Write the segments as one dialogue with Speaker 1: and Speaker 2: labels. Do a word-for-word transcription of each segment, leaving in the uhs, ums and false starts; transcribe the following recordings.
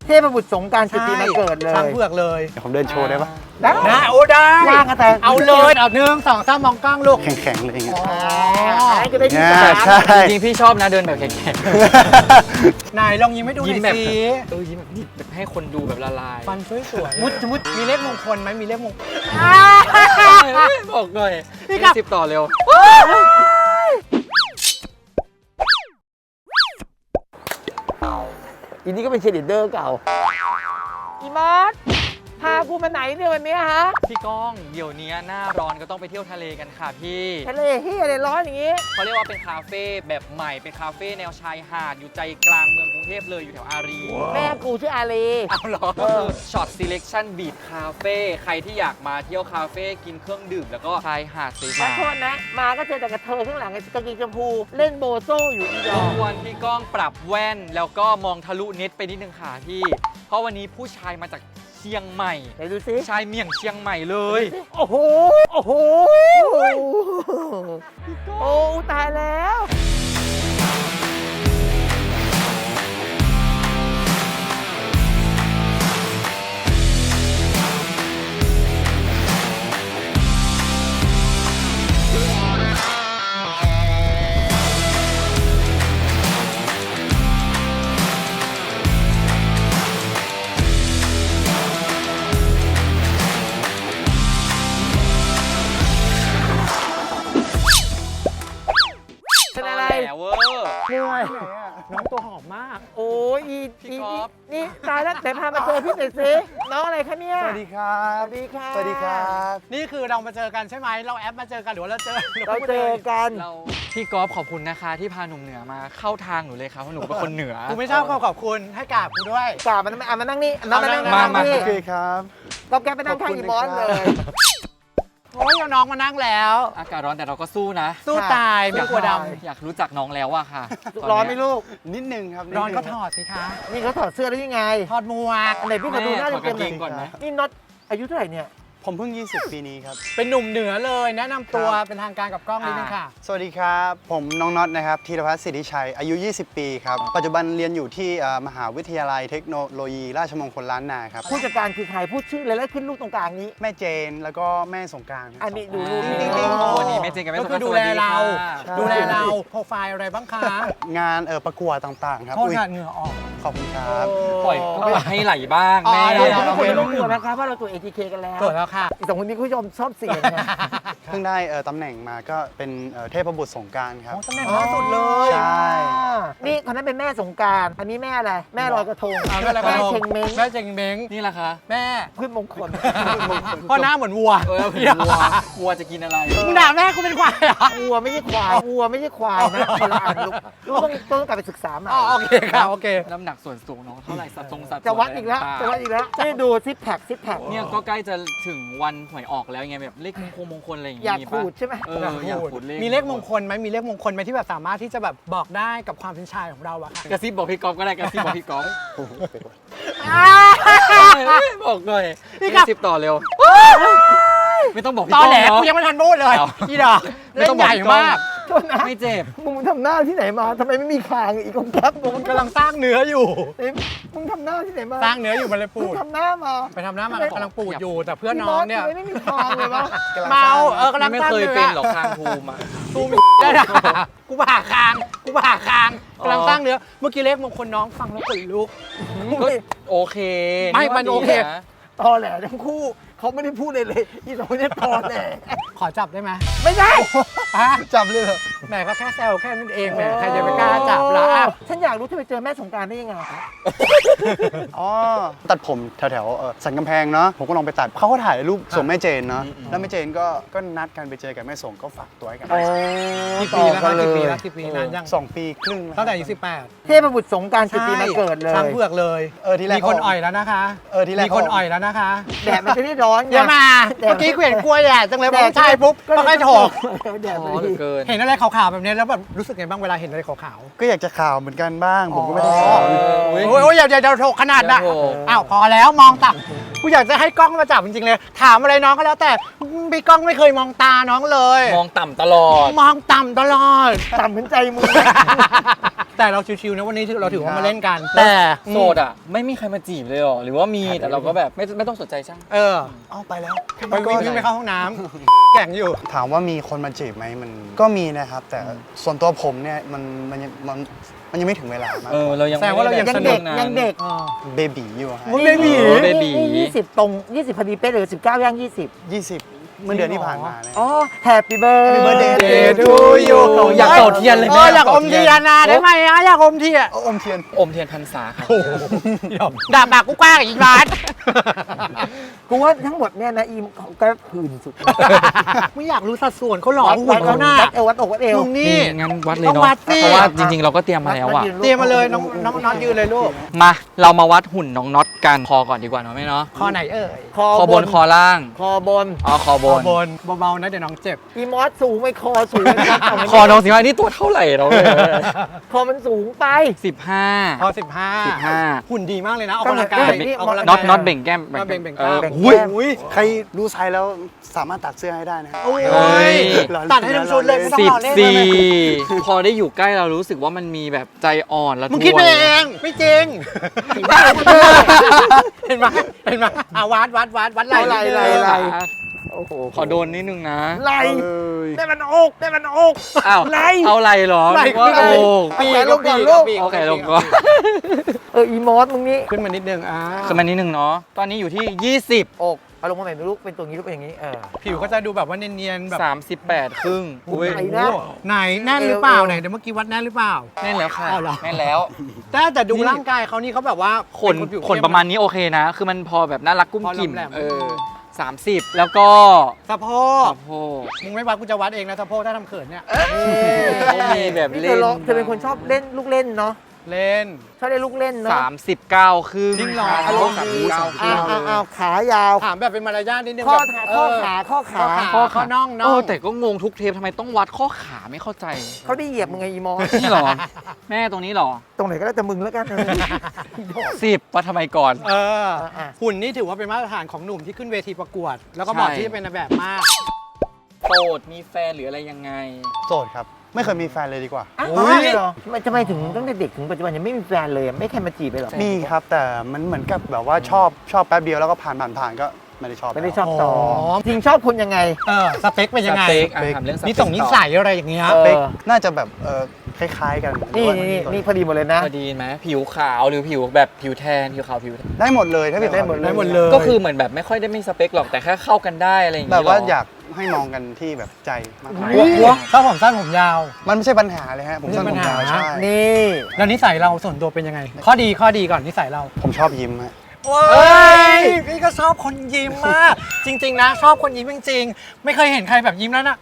Speaker 1: เทพบุตรสงกรานต์จุดปีมาเกิดเลย
Speaker 2: ช้างเผือกเลย
Speaker 3: ผมเดินโชว์ได้ปะ
Speaker 1: ได้
Speaker 2: ได้โอ้ได้
Speaker 1: ว่างกันแต่
Speaker 2: เอาเลยเอาหนึ่งสองสามมองกล้องลูก
Speaker 3: แข็งๆเลยอย่างเงี้ย
Speaker 1: ก็ได้ที่สาม
Speaker 3: ใช่
Speaker 4: จริงๆพี่ชอบนะเดินแบบแข็ง
Speaker 2: ๆไหนลองยิ้มให้ดูหน่อยสิ
Speaker 4: เออยิ้มแบบนี้แบบให้คนดูแบบละลาย
Speaker 2: ฟันสวยๆมุดมุดมีเลขมงคลไหมมีเลขมงคล
Speaker 4: บอกหน่อยพี่สิบต่อเร็ว
Speaker 1: อีนี่ก็เป็นเชลิเดอร์เก่าอีมอสพากูมาไหนเนี่ยวันนี้ฮะ
Speaker 4: พี่ก้องเดี๋ยวนี้หน้าร้อนก็ต้องไปเที่ยวทะเลกันค่ะพี่
Speaker 1: ทะเลเฮียอะไรร้อนอย่างงี้
Speaker 4: เขาเรียกว่าเป็นคาเฟ่แบบใหม่เป็นคาเฟ่แนวชายหาดอยู่ใจกลางเมืองกรุงเทพเลยอยู่แถวอารี
Speaker 1: แม่กูชื่ออารี
Speaker 4: เอาเหรอช็อต selection beach คาเฟ่ใครที่อยากมาเที่ยวคาเฟ่กินเครื่องดื่มแล้วก็ชายหาดสวยๆ
Speaker 1: ขอโทษนะมาก็เจอแต่กระเทยข้างหลังกางเกงชมพูเล่นโบโซ่อยู่อีดอก
Speaker 4: ควรพี่ก้องปรับแว่นแล้วก็มองทะลุเน็ตไปนิดนึงค่ะพี่เพราะวันนี้ผู้ชายมาจากเชียงใหม่
Speaker 1: ไหนดูสิ
Speaker 4: ชายเมี่ยงเชียงใหม่เลย
Speaker 1: โอ้โหโอ้โหโอ้ตายแล้วเป็นอะไร
Speaker 4: เวอร์
Speaker 1: เหนื่อย
Speaker 2: น้องตัวหอมมาก
Speaker 1: โอ้ยอีอีนี่ตายแล้วแต่พามาเจอพี่หน่อยสิน้องอะไรคะเนี่ย
Speaker 3: สวัสดีครับ
Speaker 1: สวัสดีค่ะ
Speaker 3: สวัสดีครับ
Speaker 2: นี่คือเรามาเจอกันใช่ไหมเราแอปมาเจอกันหรือว่าเราเจอ
Speaker 1: เราเจอกัน
Speaker 4: เราพี่กอล์ฟขอบคุณนะคะที่พาหนุ่มเหนือมาเข้าทางหนูเลยครับเพราะหนูเป็นคนเหนือ
Speaker 2: กูไม่ชอบขอบคุณให้กราบกูด้วย
Speaker 1: กราบมันมานั่งนี่มานั่ง
Speaker 4: มามา
Speaker 3: โอเคครับ
Speaker 1: ก็แกไปนั่งข้างอีบอสเลย
Speaker 2: โอ้ยน้องมานั่งแล้ว
Speaker 4: อากาศร้อนแต่เราก็สู้นะ
Speaker 2: สู้ตายไม่กลัวด
Speaker 4: ำอยากรู้จักน้องแล้วอะค่ะ
Speaker 1: ร้อนไหมลูก
Speaker 3: นิดนึงครับ
Speaker 2: ร้อนก็ถอดสิคะ
Speaker 1: นี่เขาถอดเสื้อได้ยังไง
Speaker 2: ถอดหมวก
Speaker 1: อะไรพี่ขอดูหน้าเต็มๆ
Speaker 4: ก่อนนะ
Speaker 1: นี่น็อตอายุเท่าไหร่เนี่ย
Speaker 3: ผมเพิ่งยี่สิบปีนี้ครับ
Speaker 2: เป็นหนุ่มเหนือเลยแนะนำตัวเป็นทางการกับกล้องนิดนึงค่ะ
Speaker 3: สวัสดีครับผมน้องน็อตนะครับธีรพัฒน์สิทธิชัยอายุยี่สิบปีครับปัจจุบันเรียนอยู่ที่มหาวิทยาลัยเทคโนโลยีราชมงคลล้านนาครับ
Speaker 1: ผู้จัดการคือใครพูดชื่อเลยแล้วขึ้นลูกตรงกลางนี้
Speaker 3: แม่เจนแล้วก็แม่สงกรานต์
Speaker 1: อันนี้ดู
Speaker 4: รูปวันนี้แม่เจนกับแม่สงกรานต์
Speaker 2: ดูแลเราดูแลเราโปรไฟล์อะไรบ้างคะ
Speaker 3: งานเออประกวดต่างๆครับ
Speaker 2: โทษงานเหงื่อออก
Speaker 3: ขอบคุณครับ
Speaker 4: ปล่อยก็ให้ไหลบ้างแม่
Speaker 1: เราไม่ต้องกลัวนะครับว่าเราตัว เอ ที เค กันแล้ว
Speaker 2: ตรวจแล้วค่ะ
Speaker 1: อีกสองคนนี้คุณผู้ชมชอบเสียงนะ
Speaker 3: เพิ่งได้ตำแหน่งมาก็เป็นเทพบุตรสงกรานต์ครับ
Speaker 2: ตำแหน่งล่าสุดเลย
Speaker 3: ใช่
Speaker 1: นี่คนนั้นเป็นแม่สงกรานต์อันนี้แม่อะไรแม่ลอยกระทงแม่เชงเม้ง
Speaker 2: แม่เชงเม้ง
Speaker 4: นี่แหละคะ
Speaker 2: แม่
Speaker 1: พืชมงคล
Speaker 2: เพราะหน้าเหมือนวัว
Speaker 4: เออวัววัวจะกินอะไร
Speaker 2: มึงด่าแม่กูเป็นควายเหรอ
Speaker 1: วัวไม่ใช่ควายวัวไม่ใช่ควายนะคนละอันลูกต้องต้องกลับไปศึกษามา
Speaker 2: อ๋อโอเคค่ะโอเค
Speaker 4: น้ำหนักส่วนสูงน้องเท่าไหร่สัดทรงสัด
Speaker 1: จะวัดอีกแล้วจะวัดอีกแล้วให้ดูซิปแพคซิปแพค
Speaker 4: เนี่ยก็ใกล้จะถึงวันหวยออกแล้วไงแบบเลขมงคลมงคลอะไรอย่างเงี้ย
Speaker 1: อยากพูดใช่ไหม
Speaker 4: เอออยากพูดเลข
Speaker 2: มีเลขมงคลไหมมีเลขมงคลไหมที่แบบสามารถที่จะแบบบอกได้กับความเป็นชายของเราอะค่ะ
Speaker 4: กระซิบบอกพี่ก๊อฟก็ได้กระซิบบอกพี่ก๊อฟบอกหน่อยพี่กระซิบต่อเร็วไม่ต้องบอกพี่ก๊อฟ
Speaker 2: ตอนแหลกูยังไม่ทันพูดเลยพี่ดอกเล่นใหญ่มาก
Speaker 4: ไม่เจ็บ
Speaker 1: มึงทำหน้าที่ไหนมาทำไมไม่มีคางอีกคนแก๊ป
Speaker 2: มึงกำลังสร้างเนื้ออยู่
Speaker 1: มึงทำหน้าที่ไหนมา
Speaker 2: สร้างเนื้ออยู่มันเลยปูด
Speaker 1: ทำหน้ามา
Speaker 2: ไปทำหน้ามากำลังปูดอยู่แต่เพื่อนน้องเนี่ย
Speaker 1: ไม่มีคางเลยวะ
Speaker 2: เมาเออกำลัง
Speaker 4: ไม่เคยเป็นหรอกคางทูมอ่ะ
Speaker 2: ทูมได้ด่ากูผ่าคางกูผ่าคางกำลังสร้างเนื้อเมื่อกี้เลขมงคลน้องฟังแล้วขนลุก
Speaker 4: ก็โอเค
Speaker 2: ไม่มันโอเค
Speaker 1: ตอแหลทั้งคู่เขาไม่ได้พูดเลยเลยอีสองคนนี้ตอแหล
Speaker 2: ขอจับได้ไหม
Speaker 1: ไม่ได้
Speaker 3: จับเลยเหรอ
Speaker 2: แหมก็แค่แซวแค่นั้นเองแหมใครจะไปกล้าจับล่ะ
Speaker 1: ฉันอยากรู้ที่ไปเจอแม่สงกรานต์ได้ยังไง
Speaker 3: อ๋อตัดผมแถวๆสันกำแพงเนาะผมก็ลองไปตัดเขาก็ถ่ายรูปส่งแม่เจนเนาะแล้วแม่เจนก็ก็นัดกันไปเจอกันแม่ส่งก็ฝากตัวให้กัน
Speaker 2: กี่ปีแล้วกี่ปีแล้วกี่ปีนานยัง
Speaker 3: สองปีครึ่ง
Speaker 2: ตั้งแต่อายุสิบแปด
Speaker 1: เทพบุตรสงกรานต์จุดปีมาเกิดเลย
Speaker 2: ช้างเผือกเลย
Speaker 3: เออที่แรก
Speaker 2: มีคนอ่อยแล้วนะคะ
Speaker 3: เออที่แรก
Speaker 2: มีคนอ่อยแล้วนะคะ
Speaker 1: แดดมันจะได้ร้อน
Speaker 2: อย่ามาเมื่อกี้เห็นกล้วยแดดจังเลยพอใช่ปุ๊บก็ค่อยถกเห็นอะไรขาวๆแบบนี้แล้วแบบรู้สึกไงบ้างเวลาเห็นอะไรขาว
Speaker 3: ๆก็อยากจะข่าวเหมือนกันบ้างผมก็ไม่ได้ข่าว
Speaker 2: โอ้ยอย่าอย่าถกขนาดน่ะอ้าวพอแล้วมองต่ำกูอยากจะให้กล้องมาจับจริงๆเลย ถามอะไรน้องก็แล้วแต่พี่กล้องไม่เคยมองตาน้องเลย
Speaker 4: มองต่ำตลอด
Speaker 2: มองต่ำตลอด
Speaker 1: ต่ำเหมือนใจมึง
Speaker 2: แต่เราชิวๆนะวันนี้เราถือว่ามาเล่นกัน แต่
Speaker 4: โสดอ่ะ ไม่มีใครมาจีบเลยเหรอ หรือว่ามีแต่เราก็แบบไม่ไม่ต้องสนใจช่าง
Speaker 2: เออ
Speaker 3: เอาไปแล้ว
Speaker 2: ไปวิ่งวิ่งไปเข้าห้องน้ำ แข่งอยู่
Speaker 3: ถามว่ามีคนมาจีบไหมมันก็มีนะครับ แต่ส่วนตัวผมเนี่ยมันมันยังมันมันยังไม่ถึงเวลามาก
Speaker 4: เออ เรายัง
Speaker 2: แสดงว่าเรายัง
Speaker 4: ไม่
Speaker 1: ยัง
Speaker 4: ไ
Speaker 1: เด็ก
Speaker 4: สนุ
Speaker 1: ยังเด็ก
Speaker 2: อ๋อ
Speaker 3: เบบีอยู่ฮะ
Speaker 2: มึงเบบี
Speaker 4: โอ้เบบี
Speaker 1: ยี่สิบตรงยี่สิบพอดีเป๊ะเลยสิบเก้าย่างยี่สิบ
Speaker 3: ยี่สิบเมื่อเดือนที่ผ่านมาเนี่ย
Speaker 1: อ๋อ Happy birthday
Speaker 3: Happy birthday
Speaker 2: Day to you
Speaker 4: อยากเป่าเทียนเลย
Speaker 2: เอ
Speaker 4: แม่
Speaker 2: ออยากอมเทียนนะได้ไหมอะอยากอมเทียน
Speaker 3: เอาอมเทียน
Speaker 4: อมเทียนพรรษาครับ
Speaker 2: ด่าปากกูกว้างอีกบาท
Speaker 1: กูว่าทั้งหมดเนี่ยนะอีมเขาก็หื่นสุด
Speaker 2: ไม่อยากรู้สัดส่วนเขาหล่อหุ่นเขาหน้า
Speaker 1: วัดเอววัดอกวัดเอว
Speaker 2: มึงนี่
Speaker 4: งั้นวัดเลย
Speaker 2: ต้อง
Speaker 4: เนาะ
Speaker 2: วัดสิ
Speaker 4: เพราะว่าจริงๆ เราก็เตรียมมาแล้วอ่ะ
Speaker 2: เตรียมมาเลยน้องน้องน้องยืนเลยลูก
Speaker 4: มาเรามาวัดหุ่นน้องน็อตกันคอก่อนดีกว่าเนาะแม่เนาะ
Speaker 2: คอไหนเอ่ย
Speaker 1: คอ
Speaker 4: คอบนคอล่าง
Speaker 1: คอบน
Speaker 4: อ๋อคอบน
Speaker 2: บนเบาๆนะเดี๋ยวน้องเจ็บ
Speaker 1: อีมอสสูงไปคอสูง
Speaker 4: คอน้องสิว่านี่ตัวเท่าไหร่เราเลย
Speaker 1: คอมันสูงไป
Speaker 4: สิบห้า
Speaker 2: พอสิบห้า
Speaker 4: สิบห้า
Speaker 2: หุ่นดีมากเลยนะออก
Speaker 1: ก็
Speaker 2: กำ
Speaker 1: เหมื
Speaker 2: ลั
Speaker 1: อน
Speaker 2: งกาย
Speaker 1: นี่
Speaker 2: ออกกำลัง
Speaker 4: น็อต
Speaker 2: กาย
Speaker 4: น็อตเบ่งแก้ม
Speaker 2: น็อตเบ่งเบ่ง
Speaker 4: ออ
Speaker 2: แก้ม
Speaker 4: อุ้ย
Speaker 2: อุ้ย
Speaker 3: ใครดูไซส์แล้วสามารถตัดเสื้อให้ได้นะ
Speaker 2: โอ้
Speaker 4: เฮ้
Speaker 2: ย
Speaker 4: ย
Speaker 2: ตัดให้ทั้งชุดเลยไม่ต้อง
Speaker 4: สิบ
Speaker 2: รอเล่น
Speaker 4: สี่
Speaker 2: เลย
Speaker 4: พอได้อยู่ใกล้เรารู้สึกว่ามันมีแบบใจอ่อนและ
Speaker 2: มึงคิดไป
Speaker 4: ทวน
Speaker 2: เองไม่จริงเห็นไหมเห็นไหมอ่ะวัดวัดวัดวัดไหล่
Speaker 1: ไหล่
Speaker 2: นิดนึง
Speaker 1: ไหล่ไหล่ โอ้โห
Speaker 4: ขอโดนนิดนึงนะ
Speaker 1: ไหล
Speaker 3: เอ้ย
Speaker 1: ได้มันอกได้มันอก
Speaker 4: อ้าว
Speaker 1: ไหล
Speaker 4: เอาอะไรเหรอ
Speaker 2: ไหล่
Speaker 4: นึกว่า
Speaker 2: ขึ้น
Speaker 4: โอ้
Speaker 2: ปี
Speaker 1: เอาแขนลงก่อน
Speaker 2: ปี
Speaker 1: ลูก
Speaker 2: ปี
Speaker 4: โอเคลงก่อน
Speaker 1: เอออีมอสมึงนี่
Speaker 2: ขึ้นมานิดนึงอ่า
Speaker 4: ขึ้นมานิดนึงเนาะตอนนี้อยู่ที่ยี่สิบอก
Speaker 1: เอาลงมาใหม่ลูกเป็นตัวนี้ลูกเป็นอย่างนี้เออ
Speaker 2: ผิวก็จะดูแบบว่าเนียนๆแบบ
Speaker 4: สามสิบแปดครึ่งอุ้ย
Speaker 1: ไหนนะ
Speaker 2: ไหนแน่นหรือเปล่า
Speaker 1: เอว
Speaker 2: ไหนเดี๋ยวเมื่อกี้วัดแน่นหรือเปล่า
Speaker 4: แน่นแล้วค่ะ
Speaker 2: อ้าวเหรอ
Speaker 4: แน่นแล้ว
Speaker 2: แต่แต่ดูร่างกายเขานี่เขาแบบว่า
Speaker 4: ขน
Speaker 2: เป็ผิว
Speaker 4: ขนประมาณนี้โอเคนะ คือมันพอแบบน่ารักกุ้ม
Speaker 2: พอ
Speaker 4: กิ่ม
Speaker 2: แหลมๆ
Speaker 4: เออสามสิบแล้วก็
Speaker 2: สะโพก
Speaker 4: สะโพก
Speaker 2: มึงไม่วัดกูจะวัดเองนะสะโพกถ้าทำเขินเนี่ย
Speaker 4: เขามีแบบ
Speaker 1: นี่
Speaker 4: เล่
Speaker 1: เธอน ลองเธอเป็นคนชอบเล่นลูกเล่นเนาะ
Speaker 2: เล่น
Speaker 1: ชอบเล่นลูกเล่นเนาะ
Speaker 4: สามสิบเก้าครึ่ง
Speaker 2: จริงเหรอ
Speaker 4: อารมณ์ดีสามสิบ
Speaker 1: อ้า
Speaker 4: เก้าว
Speaker 1: อ้าวขายาว
Speaker 2: ถามแบบเป็นมารยาทนิดนึง
Speaker 1: ข้อ
Speaker 2: แบบ
Speaker 1: ขา
Speaker 2: เ
Speaker 1: ข้อขาข้อขา
Speaker 2: ข้อขาข้อน่องน่
Speaker 4: เอ
Speaker 2: อง
Speaker 4: อแต่ก็งงทุกเทปทำไมต้องวัดข้อขาไม่เข้าใจ
Speaker 1: เขาได้เหยียบมึงไงอีมอส
Speaker 4: นี่เหรอ แม่ตรงนี้เหรอ
Speaker 1: ตรงไหนก็แล้วแต่มึงแล้วกันเออ
Speaker 4: สิบวัดทำไมก่อน
Speaker 2: เออ
Speaker 1: อ่ะ
Speaker 2: หุ่นนี่ถือว่าเป็นมาตรฐานของหนุ่มที่ขึ้นเวทีประกวด แล้วก็เหมาะ
Speaker 4: ใช่
Speaker 2: ที่จะเป็นนายแบบมาก
Speaker 4: โสดมีแฟนหรืออะไรยังไง
Speaker 3: โสดครับ ไม่เคยมีแฟนเลยดีกว่า
Speaker 1: อ้าว
Speaker 2: อุ๊ย
Speaker 1: เหรอทำไมทำไมถึงตั้งแต่เด็กถึงปัจจุบันยังไม่มีแฟนเลยอะไม่ใครมาจีบเลยเหรอ
Speaker 3: มีครับแต่มันเหมือนกับแบบว่าชอบชอบแป๊บเดียวแล้วก็ผ่านผ่านผ่านก็ไม่ได้ชอบ
Speaker 1: ไม่ได้
Speaker 3: แล้ว
Speaker 1: ชอบต่อ
Speaker 2: อ๋อ
Speaker 1: จริงชอบคนยังไง
Speaker 2: เออสเปคเป็นยังไง
Speaker 4: สเปคอ่ะถามเรื่องสเปค
Speaker 2: นิส่งนิสัยอะไรอย่างเงี้ย
Speaker 1: เออ
Speaker 3: เป๊กน่าจะแบบเออคล้ายๆกัน
Speaker 1: นี่
Speaker 3: หรือว่า
Speaker 1: นี่นี่พอดีหมดเลยนะ
Speaker 4: พอดีไหมผิวขาวหรือผิวแบบผิวแทนผิวขาวผิวแทน
Speaker 3: ได้หมดเลยถ้าเป็น
Speaker 1: ได้หมดเลย
Speaker 2: ได้หมดเลย
Speaker 4: ก็คือเหมือนแบบไม่ค่อยได้มีสเปคหรอกแต่แค่เข้ากันได้อะไรอย่าง
Speaker 3: แบ
Speaker 4: งี้
Speaker 3: บว่า
Speaker 4: หร
Speaker 3: อยากให้มองกันที่แบบใจมากกว่า
Speaker 2: หัวหัวชอบผมสั้นผมยาว
Speaker 3: มันไม่ใช่ปัญหาเลยฮะผมสั้น
Speaker 2: ไม่
Speaker 3: ผม
Speaker 2: ใช่ปัญหา
Speaker 3: ยาวใช่
Speaker 1: นี่
Speaker 2: แล้วนิสัยเราส่วนตัวเป็นยังไง ข้อดีข้อดีก่อนนิสัยเรา
Speaker 3: ผมชอบยิ้มฮะ
Speaker 2: โอ้ยพี่ก็ชอบคนยิ้มมาก จริง ๆ นะ ชอบคนยิ้มจริงๆไม่เคยเห็นใครแบบยิ้มแล้วนะ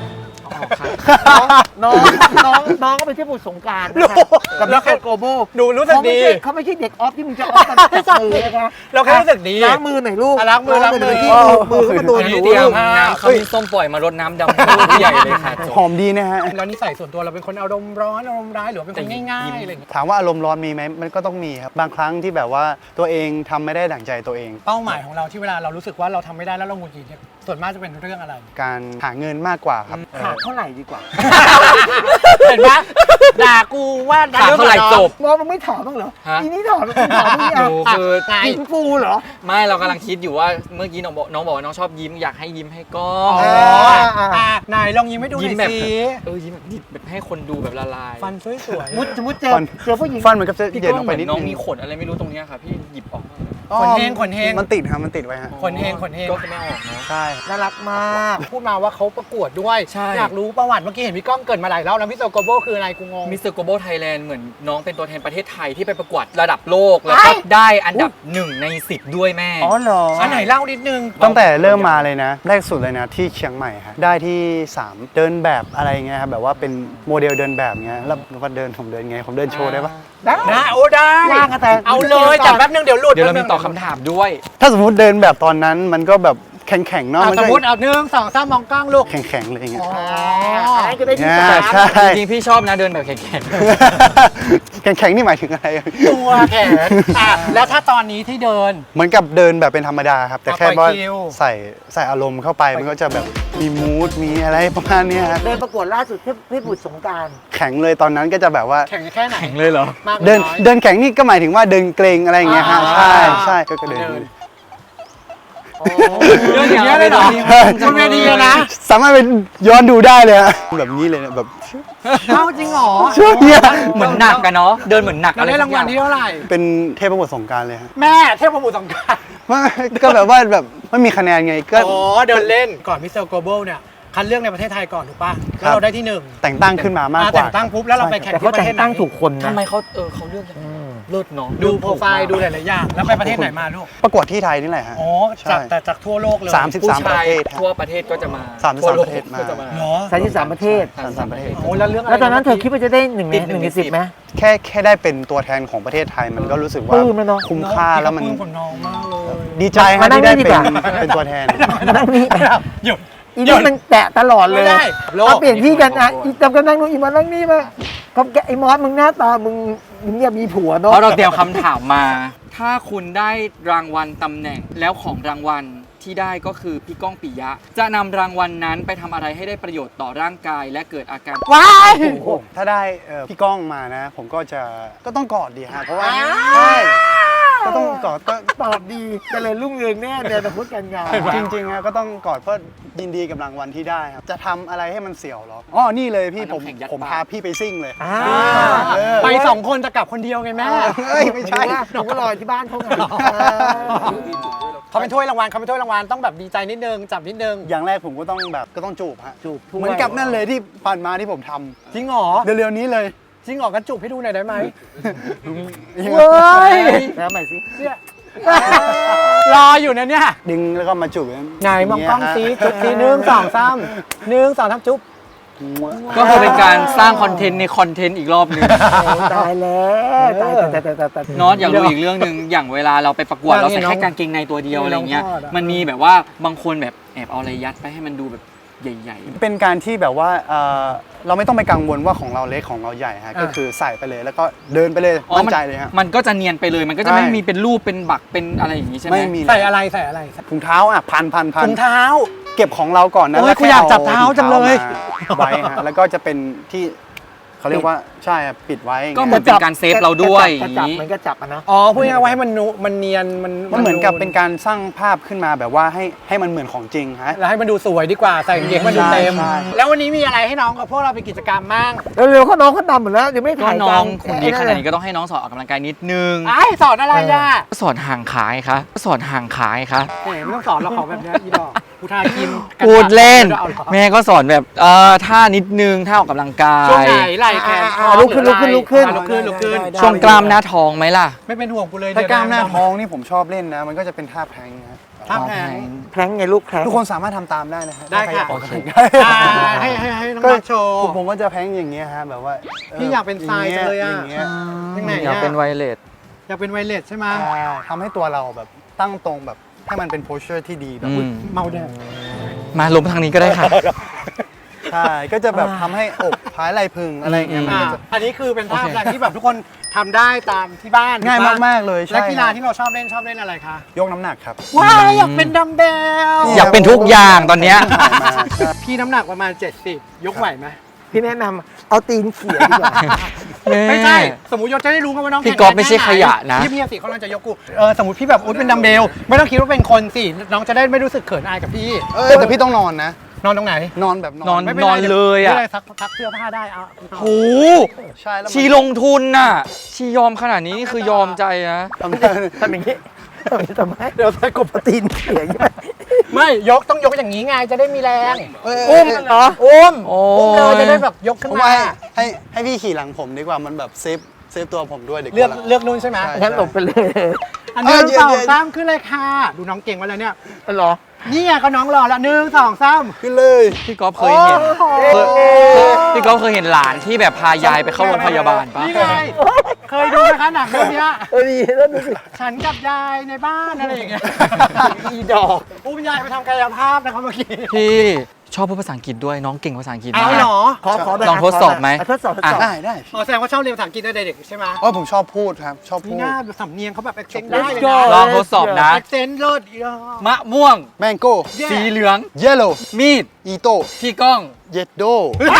Speaker 1: น้องน้องน้องก็ไปเที่ยวบุญสงกรารนะคะกับ
Speaker 2: แล้
Speaker 1: นั
Speaker 2: ว
Speaker 1: ก
Speaker 2: แค่
Speaker 1: โกโบ
Speaker 2: ดูรู้สึก
Speaker 1: เขาไม่
Speaker 2: ดี
Speaker 1: ใช่เขาไม่ใช่เด็กออฟที่มึงจะออฟกันจับมือนะคะ
Speaker 2: เราแค่รู้สึกดี
Speaker 1: ล้างมือหน่อยลูก
Speaker 2: อ่ะล้างมือล้างมือ
Speaker 1: ที่มือเขามาโดน
Speaker 4: อัน
Speaker 1: ห
Speaker 4: นี้
Speaker 1: นู
Speaker 4: เตรียม
Speaker 1: ลูก
Speaker 4: น้ำเขามีส้มปล่อยมารดน้ำดำให้ลูกใหญ่เลยค่ะจบ
Speaker 3: หอมดีนะฮะ
Speaker 2: แล้วนิสัยส่วนตัวเราเป็นคนอารมณ์ร้อนอารมณ์ร้ายหรือว่าเป็นคนง่ายๆอะไรอย่างเงี้ย
Speaker 3: ถามว่าอารมณ์ร้อนมีไหมมันก็ต้องมีครับ บางครั้งที่แบบว่าตัวเองทำไม่ได้ดั่งใจตัวเอง
Speaker 2: เป้าหมายของเราที่เวลาเรารู้สึกว่าเราทำไม่ได้แล้วเราหงุดหงิดเนี่ยส่วนมากจะเป็นเรื่องอะไร
Speaker 3: การหาเงินมากกว่าครับ
Speaker 1: ขาดเท่าไหร่ดีกว่า
Speaker 2: เห็นปะด่ากูว่า
Speaker 4: ขาดเท่าไหร่จบ
Speaker 1: มองมึงไม่ถามบ้างเหรอ
Speaker 4: ฮะ
Speaker 1: อีนี่ถามมึงถามมึง
Speaker 4: ห
Speaker 1: ยัง
Speaker 4: นูคือ
Speaker 2: ไง
Speaker 1: กินฟูเหรอ
Speaker 4: ไม่เรากำลังคิดอยู่ว่าเมื่อกี้น้องบอกน้องบอกว่าน้องชอบยิ้มอยากให้ยิ้มให้กล้อ
Speaker 2: อ๋
Speaker 4: ง
Speaker 2: อ
Speaker 1: อ่า
Speaker 2: อ่ะไหนลองยิ้มให้ดูห
Speaker 4: ยิ้ม
Speaker 2: น่
Speaker 4: แบ
Speaker 2: อบ ยสิ
Speaker 4: เออยิ้มแบบดิบแบบให้คนดูแบบละลาย
Speaker 2: ฟันสวย
Speaker 1: มุดสมมติเจอ
Speaker 3: ฟัน
Speaker 1: เจอผู้หญิง
Speaker 3: ฟันเหมือนกับจะ
Speaker 4: พี่
Speaker 3: เย็น
Speaker 4: ก้
Speaker 3: อ
Speaker 4: อ
Speaker 3: อง ก
Speaker 4: เห
Speaker 3: ไป
Speaker 4: มือน
Speaker 3: นิด
Speaker 4: น้อง
Speaker 3: นึง
Speaker 4: มีขนอะไรไม่รู้ตรงเนี้ยค่ะพี่หยิบออกมา
Speaker 2: ขนเฮงขนเฮง
Speaker 3: มันติดครับมันติดไว้ฮะ
Speaker 2: ๆขนเฮงขนเฮง
Speaker 4: ก็ไม่ออกเนาะ
Speaker 3: ใช่
Speaker 1: น่ารักมาก
Speaker 2: พูดมาว่าเขาประกวดด้วย
Speaker 4: ใช่
Speaker 2: อยากรู้ประวัติเมื่อกี้เห็นพี่ก้องเกริดมาหลายรอบแล้วมิสเตอร์โกโบคืออะไรกูงง
Speaker 4: มิสเตอร์โกโบไทยแลนด์เหมือนน้องเป็นตัวแทนประเทศไทยที่ไปประกวดระดับโลก แล้วก็ได้อันดับหนึ่งในสิบด้วยแม่
Speaker 1: อ๋อเหรอ
Speaker 2: อันไหนเล่านิดนึง
Speaker 3: ตั้งแต่เริ่มมาเลยนะแรกสุดเลยนะที่เชียงใหม่ฮะได้ที่สามเดินแบบอะไรเงี้ยครับแบบว่าเป็นโมเดลเดินแบบเงี้ยแล้วว่าเดินผมเดินไงผมเดินโชว์ได้ปะ
Speaker 1: ได้
Speaker 2: นะโอ้ได้
Speaker 1: ว่างกันแต่
Speaker 2: เอาเลยจับแป๊บนึงเดี๋ยวหลุด
Speaker 4: เดี๋ยวเรามีตอบคำถามด้วย
Speaker 3: ถ้าสมมุติเดินแบบตอนนั้นมันก็แบบแข็งๆเนาะ
Speaker 2: อ่ะ
Speaker 3: มัน
Speaker 2: ส
Speaker 3: ก็
Speaker 2: มมติเอาหนึ่งสองสามมองกล้องลูก
Speaker 3: แข็งๆเลยอย่างเงี้ย
Speaker 2: อ๋อ
Speaker 1: อันนั้นก็ได้ที่
Speaker 3: เนี่ย
Speaker 1: สาม
Speaker 3: ใช่
Speaker 4: จริงๆพี่ชอบนะเดินแบบแข็ง
Speaker 3: แข็งๆนี่หมายถึงอะไร
Speaker 2: ตัวแขนอ่ะแล้วถ้าตอนนี้ที่เดิน
Speaker 3: เหมือนกับเดินแบบเป็นธรรมดาครับ แต่แค่
Speaker 2: ปล่
Speaker 3: ว่า
Speaker 2: อยคิว
Speaker 3: ใส่ใส่อารมณ์เข้าไปมันก็จะแบบมีมูดมีอะไรประมาณเนี้ยครับ
Speaker 1: เดินประกวดล่าสุดที่ที่บุตรสงกราร
Speaker 3: แข็งเลยตอนนั้นก็จะแบบว่า
Speaker 2: แข่งแค่ไหน
Speaker 4: ๆแข็งเลยเหรอ
Speaker 2: มากหรือ
Speaker 3: เดิน
Speaker 2: น้อย
Speaker 3: เดินแข็งนี่ก็หมายถึงว่าเดินเกรงอะไรอย่างเงี้ยฮะ
Speaker 2: อ่า
Speaker 3: ใช่ใช่ก็เดิน
Speaker 2: เดิน
Speaker 4: เดินอย่างเงี้ยเลยเหรอ
Speaker 2: คุณเวทีอะนะ
Speaker 3: สามารถไปย้อนดูได้เลยฮะแบบนี้เลยนะแบบ
Speaker 2: เข้าจริงเหรอ
Speaker 3: ช่วงเนี้ย
Speaker 4: เหมือนหนักกันเนาะเดินเหมือนหนัก
Speaker 2: เรา
Speaker 4: อะไร
Speaker 2: ได้
Speaker 4: สั
Speaker 2: ราก ง
Speaker 4: อ
Speaker 2: วัล
Speaker 4: ย่าง
Speaker 2: ที่เท่าไหร่
Speaker 3: เป็นเทพบุตรสงกรารเลยฮะ
Speaker 2: แม่เทพบุตรสงกรานต์
Speaker 3: ไม่ก็แบบว่าแบบไม่มีคะแนนไงก็
Speaker 2: อ๋อเดินเล่นก่อนมิสเตอร์โกลบอลเนี่ยคัดเลือกในประเทศไทยก่อนถูกป่ะ
Speaker 3: ครั
Speaker 2: แล้ว
Speaker 3: บ
Speaker 2: เราได้ที่หนึ่ง
Speaker 3: แต่งตั้งขึ้นมามาก
Speaker 2: อ่าก
Speaker 3: ว่า
Speaker 2: แต่งตั้งปุ๊บแล้วเราไปแข่ง
Speaker 1: แต่
Speaker 2: ที่
Speaker 1: เขา
Speaker 2: ประ
Speaker 1: แต่
Speaker 2: เทศ
Speaker 1: ง
Speaker 2: ไหน
Speaker 1: ตั้งถูกคนนะ
Speaker 4: ทำไมเขาเออเขาเลือกอย่างเลิศเนาะ
Speaker 2: ดูโปรไฟล์ดูหลายๆอย่างแล้วไปประเทศไหนมาลูก
Speaker 3: ประกวดที่ไทยนี่แหละฮะ
Speaker 2: อ๋อ
Speaker 3: ใช่
Speaker 2: จากแต่จากทั่วโลกเลย
Speaker 3: สามสิบ
Speaker 4: ผู้
Speaker 3: สามป
Speaker 4: ชา
Speaker 3: ระ
Speaker 4: ย
Speaker 3: เทศฮะ
Speaker 4: ทั่วประเทศก็จะมา
Speaker 3: สามสิบสาม
Speaker 4: ทั่วโลก
Speaker 3: ประเทศมา
Speaker 4: ก็จะมา
Speaker 2: เหรอ
Speaker 1: สามสิบสามประเทศ
Speaker 3: สามสิบสามประเทศ
Speaker 2: โอ้แล้วเรื่องอะไร
Speaker 1: แล้วตอนนั้นเธอคิดว่าจะได้หนึ่งใน
Speaker 4: ติด
Speaker 1: หนึ่งในสิบไหม
Speaker 3: แค่แค่ได้เป็นตัวแทนของประเทศไทยมันก็รู้สึกว่า
Speaker 1: ปลื้มแล้วเนอะ
Speaker 3: คุ้มค่าแล้วมัน
Speaker 2: ปลื้กับน้องมากเลย
Speaker 3: ดีใจ
Speaker 1: มา
Speaker 3: ฮะ
Speaker 1: นั่ง
Speaker 3: ที่ได้
Speaker 1: นี่ดี
Speaker 3: เป็
Speaker 1: ก
Speaker 3: น
Speaker 1: ว่า
Speaker 3: เป็นตัวแทน
Speaker 1: มานั่งนี่
Speaker 2: หยุด
Speaker 1: อีนี่มันแตะตลอดเลย
Speaker 2: ไม่ได้โลก
Speaker 1: เอาเปลี่ยนที่กันนะอีจำกันนั่งนู่นอีมานั่งนี่มาก็แกไอ้มอสมึงหน้าตามึงมึงอย่ามีผัว
Speaker 4: เพ
Speaker 1: เนาะ
Speaker 4: ราะเราเตรียมคำถามมา ถ้าคุณได้รางวัลตำแหน่งแล้วของรางวัลที่ได้ก็คือพี่ก้องปิยะ จะนำรางวัลนั้นไปทำอะไรให้ได้ประโยชน์ต่อร่างกาย และเกิดอาการ
Speaker 1: ว้าย
Speaker 3: ถ้าได้เอ่อพี่ก้องมานะ ผมก็จะก็ต้องกอดดีฮะเพราะว่าใช่ก็ต้องกอดก็
Speaker 1: ตอบดีเจริญรุ่งเรืองแน่เดี๋ยวจะพูดกันงาน
Speaker 3: จริงๆฮะก็ต้องกอดเพราะยินดีกับรางวัลที่ได้ครับจะทำอะไรให้มันเสียวเหรออ๋อนี่เลยพี่
Speaker 4: เอา
Speaker 3: ผม
Speaker 4: น้ำแข็งยัด
Speaker 3: ผม
Speaker 4: ปาก
Speaker 3: พาพี่ไปซิ่งเลย
Speaker 1: อ่า
Speaker 3: เออ
Speaker 2: ไปสองคนจะกลับคนเดียวไงแม่
Speaker 3: เฮ้ยไม่ใช่
Speaker 1: ผมก็รอที่บ้านเขาไง
Speaker 2: เขาเป็นถ้วยรางวัลเขาเป็นถ้วยรางวัลต้องแบบดีใจนิดนึงจับนิดนึง
Speaker 3: อย่างแรกผมก็ต้องแบบก็ต้องจูบฮะ
Speaker 1: จูบถ้วย
Speaker 3: เหมือนกับนั่นเลยที่ผ่านมาที่ผมท
Speaker 2: จริงเหรอ
Speaker 3: ำเร็วๆนี้เลย
Speaker 2: จริงเหรอกันจูบให้ดูหน่อยได้ไหม
Speaker 1: เว้ยแล้วใหม่สิ
Speaker 2: เนี่ยรออยู่นะเนี่ย
Speaker 3: ดึงแล้วก็มาจูบ
Speaker 2: ไงมองกล้องซีจุ๊บซีหนึ่งสองสามหนึ่งสองสามจุ๊บ
Speaker 4: ก็คือเป็นการสร้างคอนเทนต์ในคอนเทนต์อีกรอบหนึง
Speaker 1: ตายแล้วตายตายตายตายตายตาย
Speaker 4: นอตอยากรู้อีกเรื่องหนึ่งอย่างเวลาเราไปประกวด
Speaker 2: อยาก
Speaker 4: เรา
Speaker 2: เห็
Speaker 4: ใส่
Speaker 2: นน้อง
Speaker 4: แค่กางเกงในตัวเดียว
Speaker 2: เห็น
Speaker 4: อะไร
Speaker 2: น้อง
Speaker 4: เงี้ย
Speaker 2: ทอดอะ
Speaker 4: มันมีแบบว่าบางคนแบบแอบเอาอะไรยัดไปให้มันดูแบบใหญ่
Speaker 3: เป็นการที่แบบว่าเอ่อเราไม่ต้องไปกังวลว่าของเราเล็กของเราใหญ่ฮะ
Speaker 2: อ่า
Speaker 3: ก็คือใส่ไปเลยแล้วก็เดินไปเลย
Speaker 4: ๆอ๋อ
Speaker 3: มั่น
Speaker 4: มัน
Speaker 3: ใจเลยฮะ
Speaker 4: มันก็จะเนียนไปเลย มันก็จะ
Speaker 3: ใช่
Speaker 4: ไม่มีเป็นรูปเป็นบักเป็นอะไรอย่างนี้ใช่ไหม
Speaker 3: ไม่มี
Speaker 2: ใส่อะไรใส่อะไร
Speaker 3: ถุงเท้าอ่ะพันพันพัน
Speaker 2: ถุงเท้า
Speaker 3: เก็บของเราก่อนนะ
Speaker 2: โอ้ย
Speaker 3: แล้ว
Speaker 2: กูอยากจับเท้าจังเลย
Speaker 3: ถุงเท้ามาไว้ฮะแล้วก็จะเป็นที่เขาเรียกว่าใช่อะปิดไว้
Speaker 4: ก็เหมือนเป็นการเซฟเราด้วยอก
Speaker 1: ระ
Speaker 4: ย่าง
Speaker 1: จับ
Speaker 4: นี้
Speaker 1: เหมือนกระจับอะเนาะ
Speaker 2: อ๋อพูดง่ายๆว่าให้มันนูมันเนียนมัน
Speaker 3: มันเหมือนกับเป็นการสร้างภาพขึ้นมาแบบว่าให้ให้มันเหมือนของจริงฮะ
Speaker 2: แล้วให้มันดูสวยดีกว่าใส่กางเกงมันดูเต็ม
Speaker 3: ใช่
Speaker 2: แล้ววันนี้มีอะไรให้น้องกับพวกเราไปกิจกรรมบ้าง
Speaker 1: เร็วๆเขาน้องเขาดำหมดแล้วยังไม่
Speaker 4: ก็
Speaker 1: ถ่าย
Speaker 4: น้อง
Speaker 1: กั
Speaker 4: คนดีขนาดนี้ก็ต้องให้น้องสอนออกกำลังกายนิดนึง
Speaker 2: ไอ้สอนอะไรอ่ะ
Speaker 4: ก็สอนห่างขายคะก็สอนห่างขายคะ
Speaker 2: แหมไม่ต้องสอนเราของแบบนี้อีดอกกูทาครีมกัน
Speaker 4: พูดเล่น
Speaker 2: อาหรอ
Speaker 4: แม่ก็สอนแบบเอ่อท่านิดนึงท่าออกกำลังกาย
Speaker 2: ช่วงไหนไหล่แขน
Speaker 1: อ่าลุกขึ้นลุกขึ้นลุกขึ้น
Speaker 2: อ่ะลุกขึ้นลุกขึ้น
Speaker 4: ช่วงกล้ามหน้าท้องไหมล่ะ
Speaker 2: ไม่เป็นห่วงกูเลย
Speaker 3: ถ้ากล้ามหน้า
Speaker 2: เดี๋ยวะ
Speaker 3: ท้องนี่ผมชอบเล่นนะ มันก็จะเป็นท่าแพลงนะฮะ
Speaker 2: ท่าแพง
Speaker 1: แพร้งไงลูกแพร้ง
Speaker 3: ทุกคนสามารถทำตามได้นะฮะ
Speaker 2: ได้ค่ะ
Speaker 3: ถ้าใรอยากออกกำลังกาย
Speaker 2: อ่าให้ให้ให้น้อง
Speaker 3: ก็
Speaker 2: มาโชว์
Speaker 3: ผมผมว่าจะแพลงอย่างเงี้ยฮะแบบว่า
Speaker 2: พี่อยากเป็นทรายจังเลยอะ
Speaker 3: างงี้
Speaker 2: ยังไง
Speaker 4: อยากเป็นไวเลส
Speaker 2: อยากเป็นไวเลสใช่ไหม
Speaker 3: ใช่ทำให้ตัวเราแบบตั้งตรงแบบให้มันเป็นโพสเชอร์ที่ดีแบบ
Speaker 4: อืม
Speaker 2: เมาแดง
Speaker 4: มาลมทางนี้ก็ได้ค่ะ
Speaker 3: ใช่ก็จะแบบทำให้อกพายไหล่พึงอะไรอย่างเงี้ยมัน
Speaker 2: อ่า
Speaker 3: ก็จะ
Speaker 2: อันนี้คือเป็นท่า
Speaker 4: โอเค
Speaker 2: แรงที่แบบทุกคนทำได้ตามที่บ้าน
Speaker 3: ง่าย
Speaker 2: ถูปะ
Speaker 3: มากๆเลยใช่
Speaker 2: และกีฬา
Speaker 3: ครับ
Speaker 2: ที่เราชอบเล่นชอบเล่นอะไรคะ
Speaker 3: ยกน้ำหนักครับ
Speaker 2: ว้ายอยากเป็นดัมเบล
Speaker 3: นี่
Speaker 4: อยากเป็นทุกอย่างตอนเนี้ย
Speaker 2: พี่น้ำหนักประมาณเจ็ดสิบยกไหวไหม
Speaker 1: พี่แนะนำเอาตีนเขี่ยดีกว่า
Speaker 2: ไม่ใช่ สมมติยศจะได้รู้กันว่าน้อง
Speaker 4: พี่
Speaker 2: แข็ง
Speaker 4: ก๊อฟ
Speaker 2: แรง
Speaker 4: ไม่ใช่
Speaker 2: แค่ห
Speaker 4: ขยะนะ
Speaker 2: เงียบๆสิเขากำลังจะยกกูเออสมมติพี่แบบอุ๊ยเป็นดัมเบลไม่ต้องคิดว่าเป็นคนสิน้องจะได้ไม่รู้สึกเขินอายกับพี่
Speaker 3: เออแต่พี่ต้องนอนนะ
Speaker 2: นอนตรงไหน
Speaker 3: นอนแบบน
Speaker 4: น
Speaker 3: อ
Speaker 4: อน น
Speaker 2: ไม่เป็นไร
Speaker 4: เลยอะ
Speaker 2: ไม่ป็นไรซักซักเสื้อผ้าได้เอา
Speaker 4: โห
Speaker 3: ใช่แล้วมัน
Speaker 4: ชีลงทุนน่ะ ชียอมขนาดนี้นี่คือยอมใจนะ
Speaker 3: ทำได้
Speaker 1: ทำอย่างนี้ทำอย่างนี้ทำไมเดี๋ยวใส่กบตีนเขี่ยอย่างนี้
Speaker 2: ไม่ยกต้องยกอย่างนี้ไงจะได้มีแรง
Speaker 1: อุ้มเหรออุ้ม
Speaker 4: โอ้
Speaker 2: อุ้มเลยจะได้แบบยกขึ้น
Speaker 3: ผม
Speaker 2: มา
Speaker 3: ว่าให้ให้พี่ขี่หลังผมดีกว่ามันแบบเซฟเซฟตัวผมด้วยเด็ก
Speaker 2: เลือก
Speaker 3: ว่า
Speaker 2: เลือกนู่นใช่ไหม
Speaker 3: ใช่
Speaker 1: งั้นหลบไปเลย
Speaker 2: อันนี้
Speaker 3: เออเดี๋ยว
Speaker 2: สอง
Speaker 3: เดี๋ยว
Speaker 2: สามขึ้นเลยค่ะ ดูน้องเก่งมาแล้วเนี่ย
Speaker 1: เหรอ
Speaker 2: นี่ไงก็น้องรอแล้วหนึ่งสองสาม
Speaker 3: ขึ้นเลย
Speaker 4: พี่ก๊อฟเคยเห็นเคยเคยพี่ก๊อฟเคยเห็นหลานที่แบบพายายไปเข้าโรงพยาบาลปะ
Speaker 2: นี่ไงเคยดูนะคะหนังเรื่องเนี้ย
Speaker 1: เออดีแล้วดูสิ
Speaker 2: ฉันกับยายในบ้านอะไรอย่างเงี้ย
Speaker 1: อีดอก
Speaker 2: อุ้มยายไปทำกายภาพนะครับเมื่อกี้
Speaker 4: พี่ชอบพูดภาษาอังกฤษด้วยน้องเก่งภาษาอังกฤษ
Speaker 2: เอา
Speaker 4: มาก
Speaker 2: เหรอ
Speaker 1: ขอขอแบบ
Speaker 4: ลองทดสอบไหม
Speaker 1: ะทดสอบทดสอบ
Speaker 3: ได้ได้
Speaker 2: อ๋อแสดงว่าชอบเรียนภาษาอังกฤษตั้งแต่เด็กใช่ไหม
Speaker 3: อ๋อผมชอบพูดครับ ชอบ
Speaker 2: นี่
Speaker 3: พูด
Speaker 2: หน้าสำเนียงเขาแบบ accent ได้เลย
Speaker 1: go
Speaker 2: นะ
Speaker 4: ลองทดสอบนะ
Speaker 2: accent เลิศอีดอก
Speaker 4: มะม่วง
Speaker 3: แมงโก้
Speaker 4: สีเหลือง
Speaker 3: เยลโล่
Speaker 4: มีด
Speaker 3: อีโต้
Speaker 4: พี่ก้อง
Speaker 3: เยดโด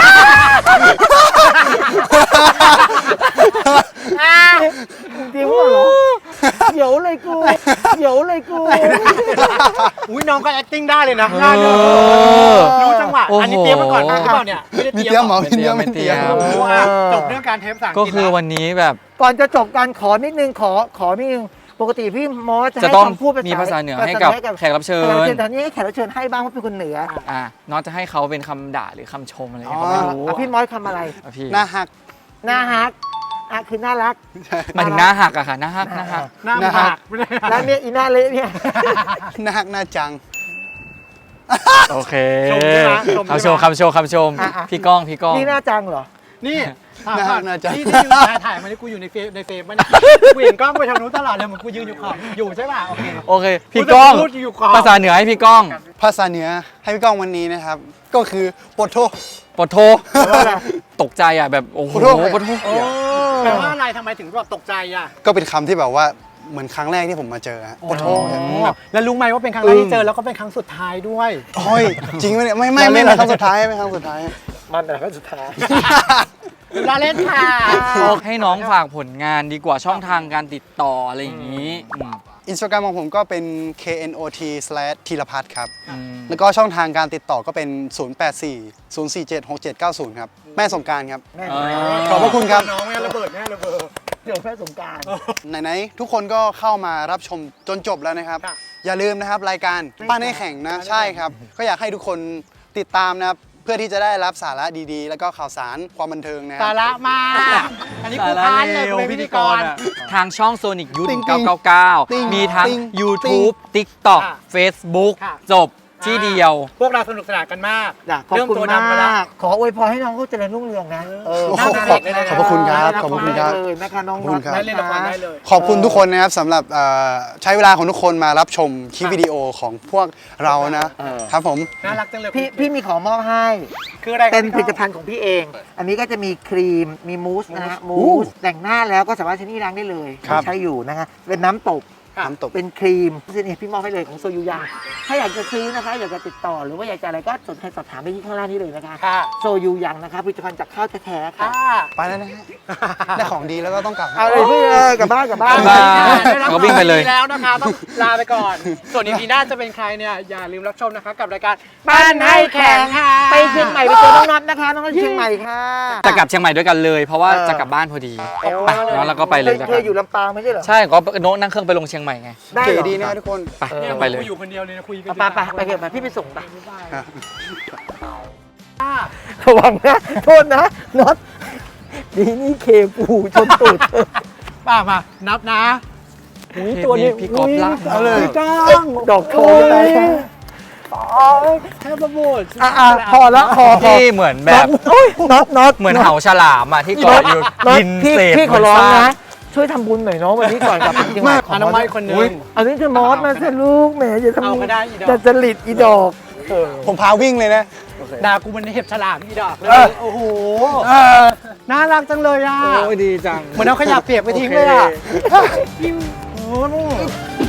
Speaker 1: จริงเหรอเดี๋ยวเลยกูเดี๋ยวเลยกู
Speaker 2: อุ้ยน้องก็ acting ได้เลยนะ
Speaker 4: เออ
Speaker 2: น่าดูรู้จังหวะ
Speaker 4: โอ้โห
Speaker 2: อันนี้เตรียมมาก่อนหรือเปล่าเนี่ยไม่ได้
Speaker 3: มี
Speaker 2: เตรีย
Speaker 3: เตรียม
Speaker 2: ม
Speaker 3: เหรอ
Speaker 4: ไม่เตรียม
Speaker 3: ไม่เตรียม
Speaker 4: ไม่เตรียม
Speaker 2: โอ้โหอ่ะจบเรื่องการเทปภาษาอังก
Speaker 4: ก็
Speaker 2: ฤษ
Speaker 4: คือ
Speaker 2: แล้ว
Speaker 4: วันนี้แบบ
Speaker 1: ก่อนจะจบการขอนิดนึงขอขอนิดนึงปกติพี่มอสจะ
Speaker 4: จะ
Speaker 1: ให้
Speaker 4: ต้อง
Speaker 1: คำพูดภาษา
Speaker 4: มีภาษาเหนือ
Speaker 1: ภ
Speaker 4: ให้กับ
Speaker 1: ให้
Speaker 4: แขกรับเชิ
Speaker 1: แขกรับ
Speaker 4: ญ
Speaker 1: เชิญแต่นี้ให้แขกรับเชิญให้บ้างเพราะเป็นคนเหนือ
Speaker 4: อ่ะน้องจะให้เขาเป็นคำด่าหรือคำชมอะไร
Speaker 3: อ๋อ
Speaker 4: ก็ไม่รู้
Speaker 1: อ่ะพี่มอสคำอะไร
Speaker 4: อ่ะพี่
Speaker 3: หน้าหัก
Speaker 1: หน้าฮักอ่ะคือน่ารัก
Speaker 4: หมายถึงหน้าหักอะค่ะหน้าหักหน้าหัก
Speaker 2: หน้า
Speaker 3: นะ
Speaker 2: หั
Speaker 3: ฮะ
Speaker 2: กไม่ได้
Speaker 1: แล้วเนี่ยอีหน้าเละเนี่ย
Speaker 3: หน้าหักหน้าจัง
Speaker 4: โอเค
Speaker 2: ชมใช่ไหมชม
Speaker 4: คำ
Speaker 2: ใช่
Speaker 4: ช
Speaker 2: ไห
Speaker 4: มคำชมคำชม
Speaker 1: อ่ะอ่ะ
Speaker 4: พี่ก้องพี่ก้อง
Speaker 1: นี่หน้าจังเหรอ
Speaker 2: นี่ถาม
Speaker 3: น่า
Speaker 2: ก่อน
Speaker 3: น่าจะ
Speaker 2: ที่ที่อยู่ถ่ายถ่ายมานี่กูอยู่ในเฟซในเฟซมันยกูเห็นกล้องไปทางนู้นตลอดเลยเหมือนกูยืนอยู่ขอบอยู่ใช่ป่ะโอเค
Speaker 4: โอเค พี่ก้อง
Speaker 2: พูดอยู่ขอบ
Speaker 4: ภาษาเหนือให้พี่ก้อง
Speaker 3: ภาษาเหนือให้พี่ก้องวันนี้นะครับ ก็คือปดโท
Speaker 4: ปดโทตกใจอ่ะแบบโอ้โห
Speaker 3: ขอโทษ
Speaker 4: ปดโท
Speaker 1: โอ้
Speaker 2: แปลว่าอะไรทำไมถึงแบบตกใจอ่ะ
Speaker 3: ก็เป็นคำที่แบบว่าเหมือนครั้งแรกที่ผมมาเจอฮะปดโท
Speaker 2: แบบแล้วรู้ไหมว่าเป็นครั้งแรกที่เจอแล้วก็เป็นครั้งสุดท้ายด้วย
Speaker 3: โอ้ยจริงไหมเนี่ยไม่ไม่ไม่ไม่ครั้งสุดท้ายไม่ครั้งสุดท้าย
Speaker 1: มันแต่ก็สุดท้าย
Speaker 2: ลาเล่นค่ะ
Speaker 4: ให้น้องฝากผลงานดีกว่าช่องทางการติดต่ออะไรอย่างนี้อืม
Speaker 3: อินสตาแกรมของผมก็เป็น เค เอ็น โอ ที สแลช ธีรพัฒน์ครับ
Speaker 4: อืม
Speaker 3: แล้วก็ช่องทางการติดต่อก็เป็น ศูนย์ แปด สี่ ศูนย์ สี่ เจ็ด หก เจ็ด เก้า ศูนย์ ครับ แม่สงกรารครับ
Speaker 1: แม่
Speaker 4: เออ
Speaker 3: ขอบพระคุณครับ
Speaker 2: น้องแม่ระเบิดแม่ระเบิด
Speaker 1: เดี๋ยวแม่สงกราร
Speaker 3: ไหนๆทุกคนก็เข้ามารับชมจนจบแล้วนะครับ
Speaker 2: ค่ะ
Speaker 3: อย่าลืมนะครับรายการป้านให้แข่งนะ ใช่ครับ ก็อยากให้ทุกคนติดตามนะครับ เพื่อที่จะได้รับสาระดีๆ แล้วก็ข่าวสารความบันเทิงนะค
Speaker 2: สา
Speaker 3: รับ
Speaker 2: ระมากอันนี้กูค้านเลยกูเป็นพิธีกร
Speaker 4: อะทางช่อง Sonic Youth
Speaker 3: ติ๊ง
Speaker 4: หนึ่งเก้าเก้าเก้า
Speaker 3: ติ๊ง
Speaker 4: มีทั้ง
Speaker 3: ติ๊ง
Speaker 4: YouTube TikTok
Speaker 2: ค่ะ
Speaker 4: Facebook
Speaker 2: ค่ะ
Speaker 4: จบที่เดียว
Speaker 2: พวกเราสนุกสนานกันมาก
Speaker 1: จ้ะขอบ
Speaker 2: เรื่อง
Speaker 1: คุณ
Speaker 2: ตัว
Speaker 1: มา
Speaker 2: ดำมาแล้ว
Speaker 1: ก ขออวยพรให้น้องเขาเจริญรุ่งเรืองนะเออ
Speaker 3: โอ้โห
Speaker 2: น่า
Speaker 3: ข
Speaker 2: รั
Speaker 3: อบ
Speaker 2: กเลยนะ
Speaker 3: ขอบพระคุณครับขอบพระคุณครับ
Speaker 1: เลยนะคะน้อง
Speaker 3: ขอบคุณครับ
Speaker 2: ได้เล่นละครได้เลย
Speaker 3: ขอบคุณทุกคนนะครับสำหรับเอ่อใช้เวลาของทุกคนมารับชมคลิปวิดีโอของพวกเรานะครับผม
Speaker 2: น่ารักจังเลย
Speaker 1: พี่พี่มีของมอบให้
Speaker 2: คืออะไร
Speaker 1: เป็นผลิตภัณฑ์ของพี่เอง อันนี้ก็จะมีครีม มีมูสนะฮะ มูส แต่งหน้าแล้วก็สามารถใช้นี่ล้างได้เลย
Speaker 3: ครับ
Speaker 1: ใช้อยู่นะฮะ เป็นน้ำตบ
Speaker 3: น้ำตก
Speaker 1: เป็นครีมนี่พี่มอบให้เลยของโซยูยังถ้าอยากจะซื้อนะคะ อยากจะติดต่อหรือว่าอยากจะอะไรก็สนใจสอบถามไปที่ข้างล่างนี้เลยนะคะ
Speaker 2: ค่ะ
Speaker 1: โซยูยังนะคะผลิตภัณฑ์จากข้าวแท้ๆค่ะ
Speaker 2: ค่ะ
Speaker 3: ไปแล้วนะฮะได้ของดีแล้วก็ต้องกลับ
Speaker 1: เอาเลยพี่เอ้ยกลับบ้านกลับบ้าน
Speaker 4: บ๊ายบาย
Speaker 2: ได้รับ
Speaker 4: ก็วิ่งไปเลย
Speaker 2: ความดีแล้วนะคะต้องลาไปก่อน ส่วนอีพีหน้าจะเป็นใครเนี่ยอย่าลืมรับชมนะคะกับรายการ
Speaker 1: บ้านให้แข่งไปเชียงใหม่ไปเจอน้องน็อตนะคะน้องน็อตเชียงใหม่ค่ะ
Speaker 4: จะกลับเชียงใหม่ด้วยกันเลย เพราะว่า
Speaker 1: เออ
Speaker 4: จะกลับบ้านพอดี
Speaker 1: โอ้
Speaker 4: ไปแล้วเราก็ไปเลย
Speaker 1: เค
Speaker 4: แล้ว
Speaker 1: เค
Speaker 4: กั
Speaker 1: ย
Speaker 4: น
Speaker 1: อยู่ลำปางไม่ใช่เหรอ
Speaker 4: ใช่ก็โน้ตนั่งเครื่องไปลงเชียงใหม่ไง
Speaker 1: ได้เหร
Speaker 3: เก๋
Speaker 1: อ
Speaker 3: ดีนะทุกคน
Speaker 4: ไป
Speaker 2: เนี่ย
Speaker 4: ไปเลย
Speaker 2: กูอยู่คนเดียวเลยนะคุยกัน
Speaker 1: เอาไปไปไปเถอะไปพี่ไปส่งไป
Speaker 2: ค่ะ
Speaker 1: ระวังนะ โทษนะน็อตดีนี่เคปูชนตูด
Speaker 2: ป้ามานับนะอุ้ยตัวนี้
Speaker 4: พี่ก๊อฟลาก
Speaker 2: เอาเลย
Speaker 1: จ้างดอกทองไป
Speaker 2: แค่ประมูล
Speaker 1: อ่ะอ่ะพอแล้วพอพอ
Speaker 4: พี่เหมือนแบบ
Speaker 1: โอ๊ยน็อตน็อต
Speaker 4: เหมือนเห่าฉลามอ่ะที่เกาะอยู่
Speaker 1: น็อต
Speaker 4: กิน
Speaker 1: พี่
Speaker 4: เศษ
Speaker 1: พี่ขอร้อง
Speaker 4: บซาก
Speaker 1: นะ ช่วยทำบุญหน่อยเนาะวันนี้ก่อนกลับจริงๆ
Speaker 2: มาก
Speaker 1: ขอ
Speaker 2: อนามัยคนหนึ
Speaker 4: อุ๊ย
Speaker 2: ง
Speaker 1: อันนี้จะมอสมาสิลูกแหมอย่าทำ
Speaker 2: เอาก็ได้อีดอก
Speaker 1: จะจริตอีดอก
Speaker 3: ผมพาวิ่งเลยนะ
Speaker 2: ด่ากูมันเห็บฉลามอีดอกเลย
Speaker 1: เออ
Speaker 2: โอ้โหน่ารักจังเลยอ่ะ
Speaker 4: โอ้ยดีจัง
Speaker 2: เหมือนเอาขยะเปียกไปทิ้งเลยอ่ะ
Speaker 4: โอเค
Speaker 2: โอ้โห